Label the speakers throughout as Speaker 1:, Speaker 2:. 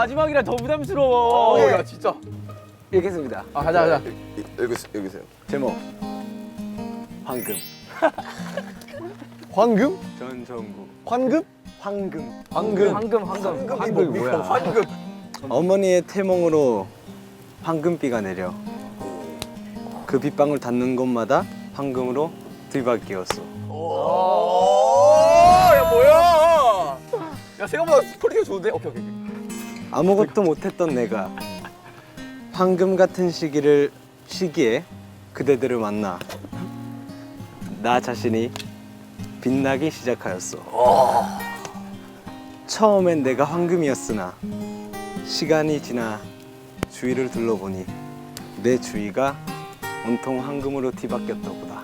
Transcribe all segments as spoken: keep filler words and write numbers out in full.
Speaker 1: 마지막이라 더 부담스러워.
Speaker 2: 어,
Speaker 1: 예.
Speaker 2: 야 진짜.
Speaker 1: 읽겠습니다. 아 가자 가자.
Speaker 3: 여기 여기세요.
Speaker 1: 제목 황금.
Speaker 3: 황금?
Speaker 1: 전정구.
Speaker 3: 황금?
Speaker 1: 황금.
Speaker 3: 황금.
Speaker 1: 황금 황금.
Speaker 2: 황금이 뭐야? 황금.
Speaker 4: 어머니의 태몽으로 황금비가 내려 그 빗방울 닿는 곳마다 황금으로 뒤바뀌었어.
Speaker 2: 야 뭐야? 야 생각보다 스토리가 좋은데? 오케이 오케이.
Speaker 4: 아무것도 못했던 내가 황금 같은 시기를 시기에 그대들을 만나 나 자신이 빛나기 시작하였어. 처음엔 내가 황금이었으나 시간이 지나 주위를 둘러보니 내 주위가 온통 황금으로 뒤바뀌었다 보다.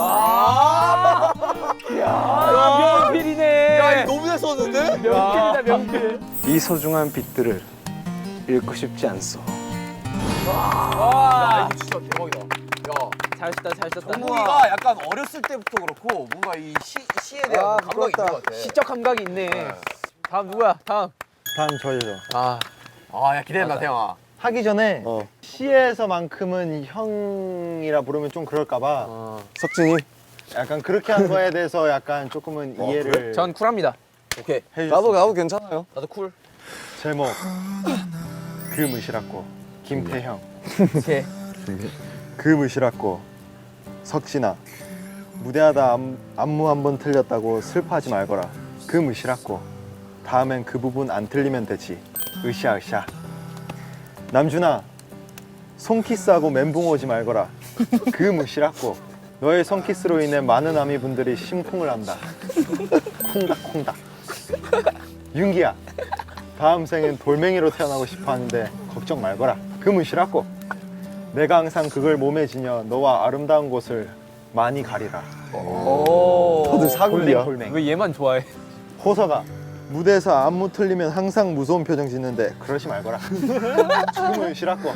Speaker 1: 야 명필이네.
Speaker 2: 야 이거 너무 잘 썼는데?
Speaker 1: 명필이다 명필.
Speaker 4: 이 소중한 빛들을 잃고 싶지 않소.
Speaker 2: 야 이거 진짜 대박이다. 야
Speaker 1: 잘 썼다 잘 썼다.
Speaker 2: 정국이가 약간 어렸을 때부터 그렇고 뭔가 이 시, 시에 대한
Speaker 3: 아,
Speaker 2: 감각이 있는 것 같아.
Speaker 1: 시적 감각이 있네. 다음 누구야? 다음.
Speaker 5: 다음 저죠.
Speaker 1: 아
Speaker 2: 아야 기대된다 태영아.
Speaker 5: 하기 전에
Speaker 3: 어.
Speaker 5: 시에서만큼은 형이라 부르면 좀 그럴까봐
Speaker 1: 어.
Speaker 3: 석진이.
Speaker 5: 약간 그렇게 한 거에 대해서 약간 조금은
Speaker 3: 어,
Speaker 5: 이해를
Speaker 1: 전 쿨합니다.
Speaker 2: 오케이.
Speaker 5: 해주셨어요.
Speaker 3: 나도 나도 괜찮아요.
Speaker 2: 나도 쿨.
Speaker 5: 제목 그 무시랍고 김태형
Speaker 1: 제.
Speaker 5: 그 무시랍고 석진아 무대하다 안, 안무 한 번 틀렸다고 슬퍼하지 말거라. 그 무시랍고 다음엔 그 부분 안 틀리면 되지. 으쌰으쌰. 남준아 손키스하고 멘붕 오지 말거라. 그 무시랍고 너의 손키스로 인해 많은 아미분들이 심쿵을 한다. 쿵닥쿵닥. 윤기야 다음 생엔 돌멩이로 태어나고 싶어 하는데 걱정 말거라. 그 무시랍고 내가 항상 그걸 몸에 지녀 너와 아름다운 곳을 많이 가리라.
Speaker 1: 오.
Speaker 5: 다들 사골이야.
Speaker 1: 왜 얘만 좋아해?
Speaker 5: 호서가 무대에서 안무 틀리면 항상 무서운 표정 짓는데 그러지 말거라. 지금은 싫었고.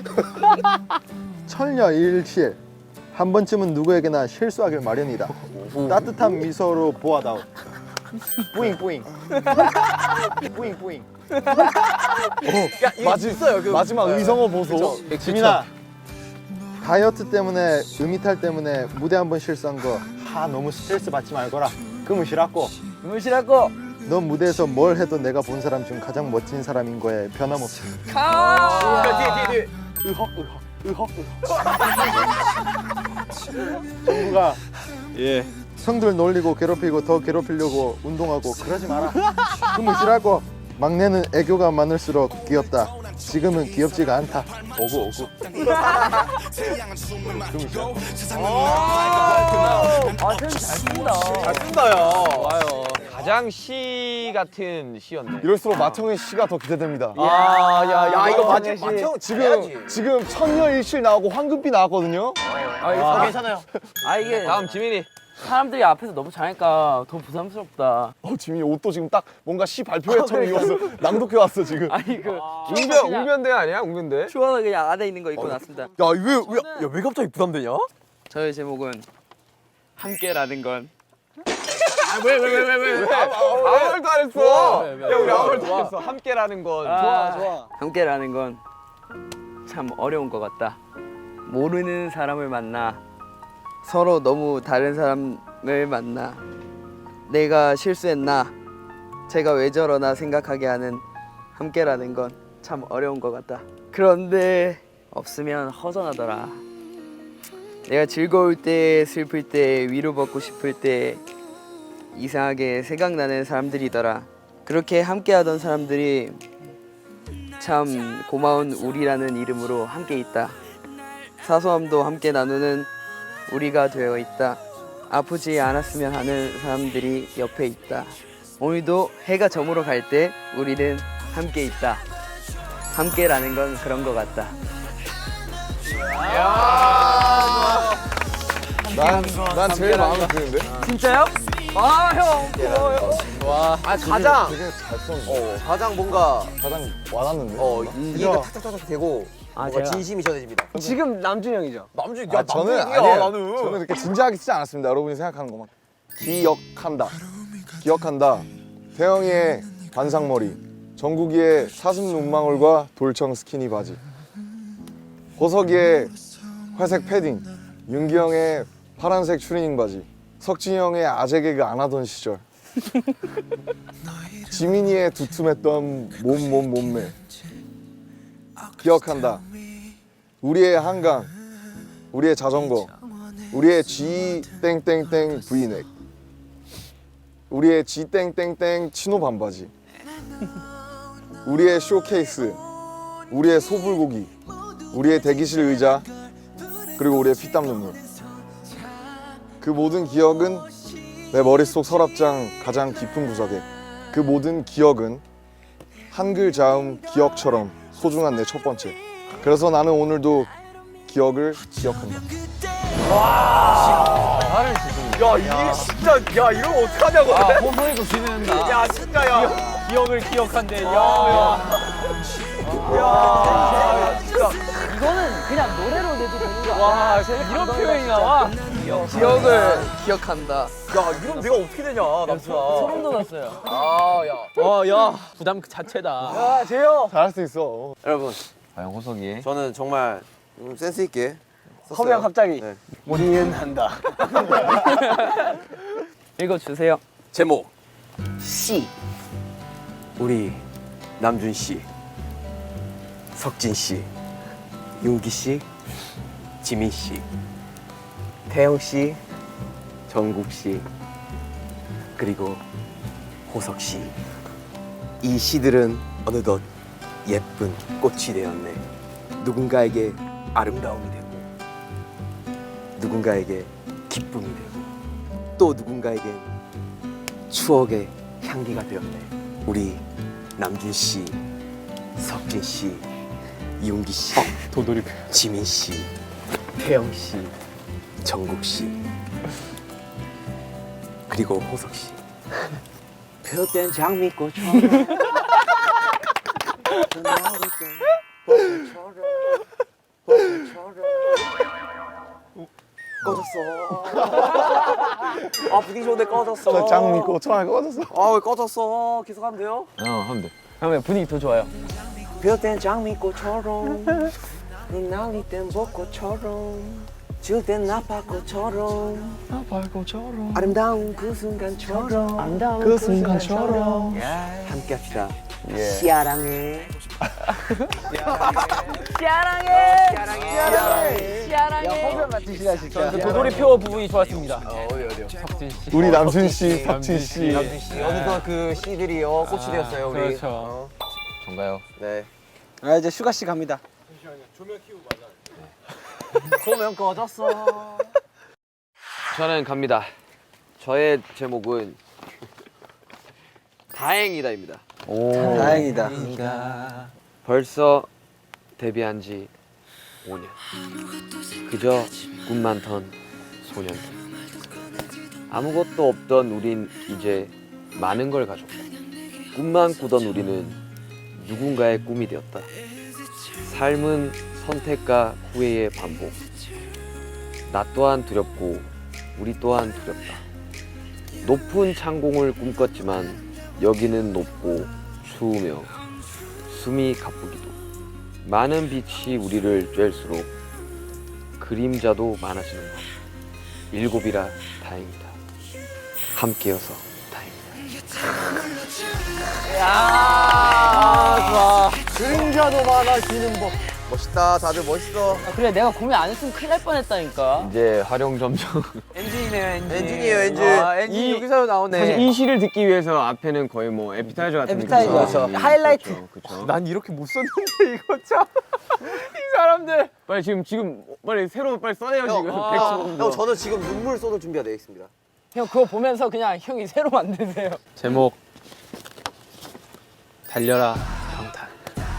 Speaker 5: 철녀일실 한 번쯤은 누구에게나 실수하길 마련이다. 따뜻한 미소로 보아다오. 뿌잉 뿌잉. 뿌잉 뿌잉.
Speaker 2: 야 이거
Speaker 3: 마지-
Speaker 2: 있어요. 그,
Speaker 3: 마지막 의성어 보소.
Speaker 5: 지민아 다이어트 때문에 음이탈 때문에 무대 한 번 실수한 거 하 너무 스트레스 받지 말거라. 그문 싫었고.
Speaker 1: 무시라고.
Speaker 5: 넌 무대에서 뭘 해도 내가 본 사람 중 가장 멋진 사람인 거에 변함없이.
Speaker 1: 가.
Speaker 2: 야, 뒤에 뒤에 뒤에.
Speaker 5: 의헉 의헉 의헉 의헉. 정부가
Speaker 4: 예.
Speaker 5: 형들 놀리고 괴롭히고 더 괴롭히려고 운동하고 그러지 마라. 그문 싫었고. 막내는 애교가 많을수록 귀엽다. 지금은 귀엽지가 않다. 오구 오구.
Speaker 1: 아, 쌤 잘 쓴다.
Speaker 2: 잘 쓴다 야.
Speaker 1: 좋아요.
Speaker 6: 가장 시 같은 시였네.
Speaker 3: 이럴수록 마청의 시가 더 기대됩니다.
Speaker 2: 아, 야, 야, 이거 맞지?
Speaker 1: 시.
Speaker 2: 맞죠?
Speaker 3: 지금 지금 천녀일실 나오고 황금비 나왔거든요.
Speaker 1: 아, 이거
Speaker 2: 아, 괜찮아요.
Speaker 1: 아 이게
Speaker 6: 다음 지민이.
Speaker 1: 사람들이 앞에서 너무 잘하니까 더 부담스럽다.
Speaker 3: 어 지민이 옷도 지금 딱 뭔가 시 발표회처럼 입었어. 낭독해 왔어 지금.
Speaker 1: 아니 그
Speaker 6: 웅변 웅변대 아니야? 웅변대?
Speaker 1: 추워서 그냥 안에 있는 거 입고 났습니다.
Speaker 2: 야왜왜야왜 갑자기 부담되냐?
Speaker 1: 저의 제목은 함께라는 건.
Speaker 2: 왜 왜 왜 왜 왜?
Speaker 6: 아무 말도 안 했어.
Speaker 1: 왜, 왜,
Speaker 6: 야
Speaker 1: 왜,
Speaker 6: 우리
Speaker 1: 왜,
Speaker 6: 아무 말도
Speaker 1: 좋아.
Speaker 6: 안 했어. 함께라는 건.
Speaker 1: 아, 함께라는 건 참 어려운 것 같다. 모르는 사람을 만나 서로 너무 다른 사람을 만나 내가 실수했나 제가 왜 저러나 생각하게 하는 함께라는 건 참 어려운 것 같다. 그런데 없으면 허전하더라. 내가 즐거울 때 슬플 때 위로받고 싶을 때 이상하게 생각나는 사람들이더라. 그렇게 함께하던 사람들이 참 고마운 우리라는 이름으로 함께 있다. 사소함도 함께 나누는 우리가 되어 있다. 아프지 않았으면 하는 사람들이 옆에 있다. 오늘도 해가 저물어 갈 때 우리는 함께 있다. 함께라는 건 그런 것 같다.
Speaker 3: 난 난 제일 마음에 드는데.
Speaker 1: 진짜요? 아 형, 고마워요.
Speaker 2: 아 가장
Speaker 3: 되게 잘 썼는데.
Speaker 2: 어 가장 뭔가
Speaker 3: 가장 와닿는데.
Speaker 2: 어 이해가 탁탁탁탁 되고
Speaker 1: 아,
Speaker 2: 뭔가
Speaker 1: 제가-
Speaker 2: 진심이 전해집니다.
Speaker 1: 지금 남준 형이죠?
Speaker 2: 남준
Speaker 3: 아,
Speaker 2: 야
Speaker 3: 저는
Speaker 2: 남준이야
Speaker 3: 아니에요.
Speaker 2: 나는.
Speaker 3: 저는 그렇게 진지하게 쓰지 않았습니다. 여러분이 생각하는 것만. 기억한다. 기억한다. 태영이의 반상머리. 정국이의 사슴 눈망울과 돌청 스키니 바지, 호석이의 회색 패딩, 윤기 형의 파란색 추리닝 바지, 석진이 형의 아재 개그 안 하던 시절, 지민이의 두툼했던 몸 몸 몸매 기억한다. 우리의 한강, 우리의 자전거, 우리의 G 땡땡땡 브이넥, 우리의 G 땡땡땡 치노 반바지, 우리의 쇼케이스, 우리의 소불고기, 우리의 대기실 의자, 그리고 우리의 피땀 눈물. 그 모든 기억은 내 머릿속 서랍장 가장 깊은 구석에, 그 모든 기억은 한글 자음 기억처럼 소중한 내 첫 번째. 그래서 나는 오늘도 기억을 기억한다.
Speaker 2: 야 이게 진짜 야 이러면 어떡하냐고.
Speaker 6: 아, 호소이도 지는다.
Speaker 2: 야 진짜 야.
Speaker 6: 기억을 기억한대. 야,
Speaker 2: 야 진짜.
Speaker 7: 이거는 그냥 노래로 내도 되는 거
Speaker 6: 와,
Speaker 7: 아니야?
Speaker 6: 이런 표현이 나와?
Speaker 1: 기억을 기억한다.
Speaker 2: 야 이러면 내가 어떻게 되냐 남수아.
Speaker 7: 소름 돋았어요.
Speaker 2: 아 야.
Speaker 6: 어, 야, 부담 그 자체다.
Speaker 2: 야 재영.
Speaker 3: 잘할 수 있어.
Speaker 8: 여러분,
Speaker 6: 과연 호석이?
Speaker 8: 저는 정말 좀 센스 있게 썼어요.
Speaker 6: 허비야 갑자기.
Speaker 8: 네.
Speaker 6: 니은한다.
Speaker 1: 읽어주세요.
Speaker 8: 제목 씨. 우리 남준 씨, 석진 씨, 윤기 씨, 지민 씨, 태영 씨, 정국 씨, 그리고 호석 씨. 이 씨들은 어느덧 예쁜 꽃이 되었네. 누군가에게 아름다움이 되고, 누군가에게 기쁨이 되고, 또 누군가에겐 추억의 향기가 되었네. 우리 남준 씨, 석진 씨, 윤기 씨,
Speaker 4: 도돌이
Speaker 8: 지민 씨, 태영 씨, 정국 씨, 그리고 호석 씨. 폈던 장미꽃처럼 꺼졌어. 아 분위기 좋은데 꺼졌어.
Speaker 3: 짱 믿고 처음에 꺼졌어.
Speaker 8: 아 왜 꺼졌어? 계속 하면 돼요?
Speaker 6: 어, 하면 돼.
Speaker 1: 하면 분위기 더 좋아요.
Speaker 8: 폈던 장미꽃처럼, 날릴 땐 벚꽃처럼, 지울 땐 나팔꽃처럼, 나팔꽃처럼, 아름다운 그 순간처럼, 아름다운 그 순간처럼, 함께합시다. 시아랑해.
Speaker 7: 시아랑해! 시아랑해! 시아랑해!
Speaker 6: 허비야 같은 시간 진짜. 도돌이 표 부분이 좋았습니다.
Speaker 3: 우리 남준 씨, 석진 씨.
Speaker 8: 어느덧 그 씨들이요 꽃이 되었어요 우리.
Speaker 6: 그렇죠. 전가요?
Speaker 8: 네.
Speaker 6: 아 이제 슈가 씨 갑니다.
Speaker 8: 조명 꺼졌어.
Speaker 2: 저는 갑니다. 저의 제목은 다행이다입니다.
Speaker 6: 다행이다.
Speaker 2: 벌써 데뷔한 지 오 년. 그저 꿈만 던 소년. 아무것도 없던 우린 이제 많은 걸 가졌고, 꿈만 꾸던 우리는 누군가의 꿈이 되었다. 삶은 선택과 후회의 반복. 나 또한 두렵고 우리 또한 두렵다. 높은 창공을 꿈꿨지만 여기는 높고 추우며 숨이 가쁘기도. 많은 빛이 우리를 쬐일수록 그림자도 많아지는 것. 일곱이라 다행이다. 함께여서 다행이다.
Speaker 7: 야, 좋아.
Speaker 3: 그림자도 많아지는 법.
Speaker 8: 멋있다. 다들 멋있어.
Speaker 7: 아, 그래, 내가 고민 안 했으면 큰일 날 뻔했다니까.
Speaker 2: 이제 활용 점점.
Speaker 1: 엔진이네요, 엔진.
Speaker 8: 엔진이에요 엔진.
Speaker 1: 아, 엔진
Speaker 6: 이-
Speaker 1: 여기서 나오네.
Speaker 6: 사실 이 시를 듣기 위해서 앞에는 거의 뭐 에피타이저 같은
Speaker 7: 에피타이저,
Speaker 6: 느낌이죠.
Speaker 7: 그렇죠. 하이라이트.
Speaker 6: 그렇죠, 그렇죠. 난 이렇게 못 썼는데 이거 참. 이 사람들. 빨리 지금 지금 빨리 새로 빨리 써내요 지금.
Speaker 8: 형,
Speaker 6: 백수공도.
Speaker 8: 형 저는 지금 눈물 쏟을 준비가 되어 있습니다.
Speaker 7: 형, 그거 보면서 그냥 형이 새로 만드세요.
Speaker 4: 제목 달려라 방탄.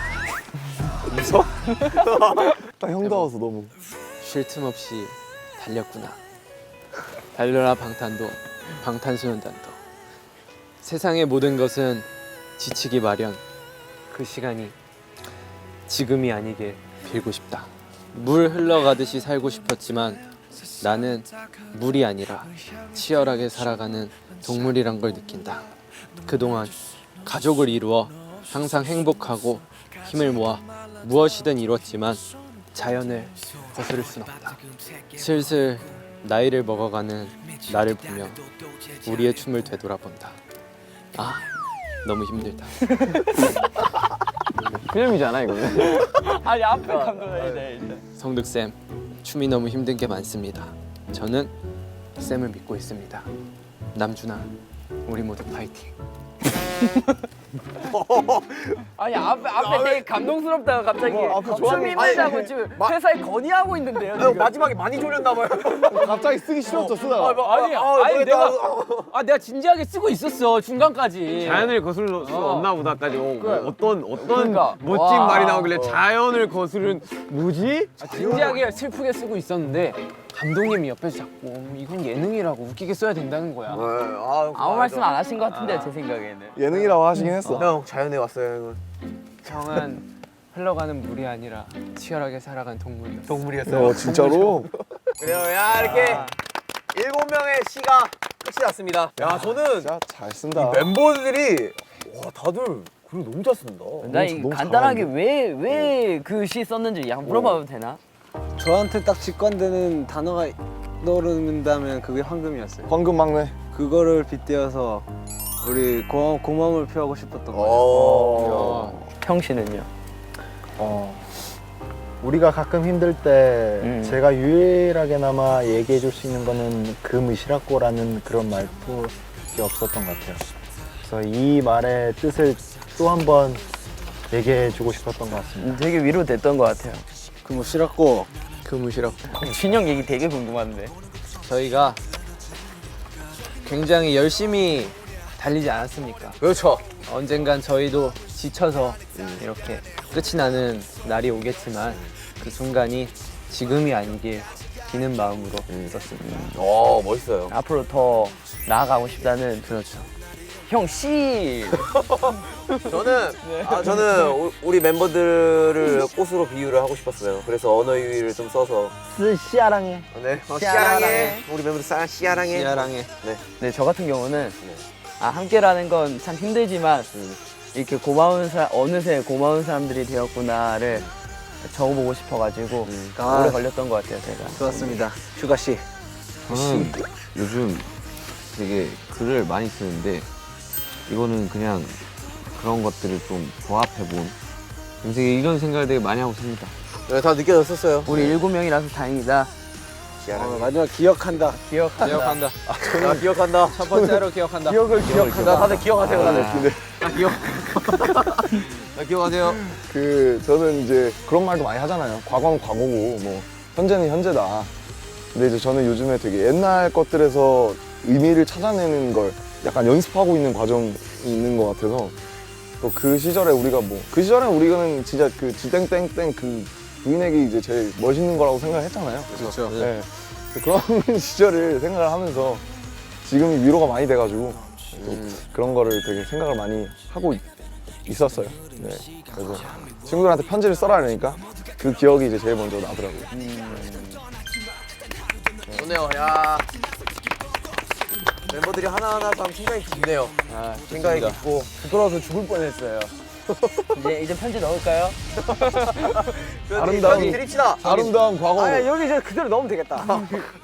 Speaker 3: 딱 형다워서 너무.
Speaker 4: 쉴 틈 없이 달렸구나. 달려라 방탄도 방탄소년단도. 세상의 모든 것은 지치기 마련. 그 시간이 지금이 아니게 빌고 싶다. 물 흘러가듯이 살고 싶었지만 나는 물이 아니라 치열하게 살아가는 동물이란 걸 느낀다. 그동안 가족을 이루어
Speaker 9: 항상 행복하고 힘을 모아 무엇이든 이뤘지만 자연을 거스를 순 없다. 슬슬 나이를 먹어가는 나를 보며 우리의 춤을 되돌아본다. 아, 너무 힘들다.
Speaker 6: 필름이잖아 이거는.
Speaker 7: 아니 앞에 감독해야 돼 일단.
Speaker 9: 성득쌤, 춤이 너무 힘든 게 많습니다. 저는 쌤을 믿고 있습니다. 남준아, 우리 모두 파이팅.
Speaker 7: 아니 앞에 앞에 되게 감동스럽다가 갑자기
Speaker 2: 앞에
Speaker 7: 춤 힘들다고 지금 회사에 건의하고 있는데요.
Speaker 2: 형
Speaker 7: 지금.
Speaker 2: 마지막에 많이 졸렸나 봐요.
Speaker 3: 갑자기 쓰기 싫었죠 쓰다가.
Speaker 7: 아니 아니 내가 아 내가 진지하게 쓰고 있었어 중간까지.
Speaker 6: 자연을 거슬 수
Speaker 7: 어.
Speaker 6: 없나 보다까지 어, 어떤 어떤
Speaker 7: 그러니까.
Speaker 6: 멋진
Speaker 7: 와.
Speaker 6: 말이 나오길래 자연을 거스른 뭐지?
Speaker 7: 아, 진지하게 슬프게 쓰고 있었는데 감독님이 옆에서 자꾸 음, 이건 예능이라고 웃기게 써야 된다는 거야.
Speaker 2: 아,
Speaker 7: 아무 말씀 안 하신 것 같은데 제 생각에는.
Speaker 3: 예능이라고 하시긴 했어.
Speaker 2: 형 자연에 왔어요.
Speaker 9: 형은 흘러가는 물이 아니라 치열하게 살아간 동물이었어.
Speaker 2: 동물이었어요.
Speaker 3: 어 진짜로?
Speaker 2: 그래요. 야 이렇게 일곱 명의 시가 끝이 났습니다. 야 저는
Speaker 3: 진짜 잘 쓴다.
Speaker 2: 멤버들이 와 다들 글 너무 잘 쓴다.
Speaker 7: 나 이
Speaker 3: 너무
Speaker 7: 간단하게 왜 왜 그 시 썼는지 약간 물어봐도 되나?
Speaker 4: 저한테 딱 직관되는 단어가 떠오른다면 그게 황금이었어요.
Speaker 3: 황금 막내.
Speaker 4: 그거를 빗대어서 우리 고, 고마움을 표하고 싶었던 거예요.
Speaker 2: 어.
Speaker 7: 형 씨는요?
Speaker 5: 어, 우리가 가끔 힘들 때
Speaker 7: 음.
Speaker 5: 제가 유일하게나마 얘기해 줄 수 있는 거는 그 무시라고라는 그런 말뿐이 없었던 것 같아요. 그래서 이 말의 뜻을 또 한 번 얘기해 주고 싶었던 것 같습니다.
Speaker 7: 음, 되게 위로됐던 것 같아요.
Speaker 4: 그 뭐 싫었고
Speaker 9: 그무시라고.
Speaker 7: 준영 얘기 되게 궁금한데.
Speaker 9: 저희가 굉장히 열심히 달리지 않았습니까?
Speaker 2: 그렇죠.
Speaker 9: 언젠간 저희도 지쳐서 이렇게 끝이 나는 날이 오겠지만 그 순간이 지금이 아니길 비는 마음으로 썼습니다.
Speaker 2: 어 멋있어요.
Speaker 7: 앞으로 더 나아가고 싶다는
Speaker 9: 그렇죠.
Speaker 7: 형 씨.
Speaker 2: 저는 아 저는 우- 우리 멤버들을 꽃으로 비유를 하고 싶었어요. 그래서 언어 유희를 좀 써서
Speaker 7: 쓰 씨아랑해.
Speaker 2: 네 어,
Speaker 7: 씨아랑해.
Speaker 2: 씨아랑해. 우리 멤버들 싸 씨아랑해.
Speaker 9: 시아랑해.
Speaker 7: 네, 저 같은 경우는 아 함께라는 건 참 힘들지만 이렇게 고마운 사 어느새 고마운 사람들이 되었구나를 적어보고 싶어가지고 오래 걸렸던 것 같아요, 제가.
Speaker 4: 좋았습니다. 휴가 씨.
Speaker 10: 저는 요즘 되게 글을 많이 쓰는데 이거는 그냥 그런 것들을 좀 조합해본 되게 이런 생각을 되게 많이 하고 삽니다.
Speaker 2: 네, 다 느껴졌었어요.
Speaker 7: 우리 일곱 명이라서 다행이다.
Speaker 4: 어, 마지막 기억한다.
Speaker 7: 기억한다.
Speaker 9: 기억한다.
Speaker 2: 나 기억한다.
Speaker 9: 첫 번째로 기억한다.
Speaker 7: 기억을 기억한다.
Speaker 2: 다들 기억하세요, 다들.
Speaker 10: 나 기억하세요.
Speaker 3: 그 저는 이제 그런 말도 많이 하잖아요. 과거는 과거고 뭐 현재는 현재다. 근데 이제 저는 요즘에 되게 옛날 것들에서 의미를 찾아내는 걸 약간 연습하고 있는 과정이 있는 것 같아서 또 그 시절에 우리가 뭐 그 시절에 우리는 진짜 그 지땡땡땡 그 부인에게 이제 제일 멋있는 거라고 생각을 했잖아요.
Speaker 9: 그렇죠.
Speaker 3: 네. 그런 시절을 생각을 하면서 지금이 위로가 많이 돼가지고 또 그런 거를 되게 생각을 많이 하고 있, 있었어요. 네. 그래서 친구들한테 편지를 써라 그러니까 그 기억이 이제 제일 먼저 나더라고요.
Speaker 2: 좋네요. 야 멤버들이 하나하나 참 생각이 깊네요.
Speaker 7: 아,
Speaker 2: 생각이 깊고
Speaker 7: 부끄러워서 죽을 뻔했어요. 이제 이제 편지 넣을까요?
Speaker 3: 아름다운-
Speaker 2: 드립시다.
Speaker 3: 아름다운 과거.
Speaker 2: 아 여기 이제 그대로 넣으면 되겠다.